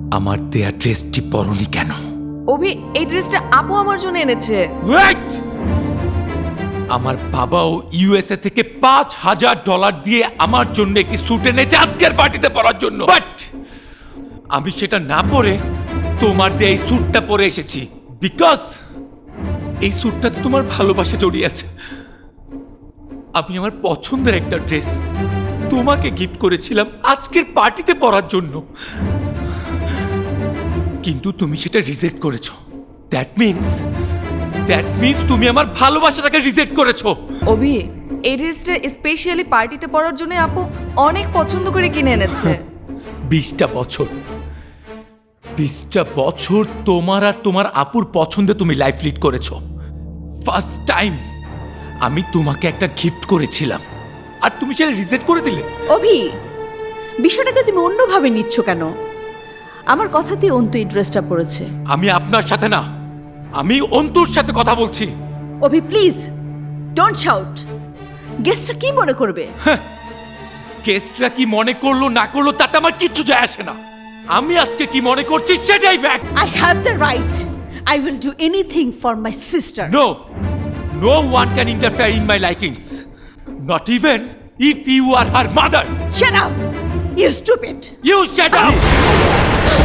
আমার দেয়া ড্রেসটি পরনি কেন? অভি, এই ড্রেসটা আপু আমার জন্য এনেছে। ওয়েট! আমার বাবাও ইউএসএ থেকে $5,000 দিয়ে আমার জন্য একটি স্যুট এনেছে আজকের পার্টিতে পরার জন্য, বাট আমি সেটা না পরে তোমার দিয়ে এই স্যুটটা পরে এসেছি বিকজ এই স্যুটটাতে তোমার ভালোবাসা জড়িয়ে আছে। আমি আমার পছন্দের একটা ড্রেস তোমাকে গিফট করেছিলাম আজকের পার্টিতে পরার জন্য, কিন্তু তুমি সেটা রিজেক্ট করেছো। দ্যাট মিন্স তুমি আমার ভালোবাসাটাকে রিজেক্ট করেছো। অভি, এই ড্রেসটা স্পেশালি পার্টিতে পরার জন্য আপু অনেক পছন্দ করে কিনে এনেছে। 20টা বছর তোমার আর তোমার আপুর পছন্দে তুমি লাইফ লিড করেছো। ফার্স্ট টাইম আমি তোমাকে একটা গিফট করেছিলাম আর তুমি সেটা রিজেক্ট করে দিলে। অভি, বিষয়টাকে তুমি অন্যভাবে নিচ্ছ কেন? আমার কথাতেই অন্তু এই ড্রেসটা পরেছে। আমি আপনার সাথে না, আমি অন্তুর সাথে কথা বলছি। Abhi please don't shout. গেস্টটা কি মনে করবে? কেসটা কি মনে করলো না করলো তাতে আমার কিচ্ছু যায় আসে না। আমি আজকে কি মনে করছি সেটাই back. I have the right. I will do anything for my sister. No one can interfere in my likings. Not even if you are her mother. Shut up, you stupid. You shut up!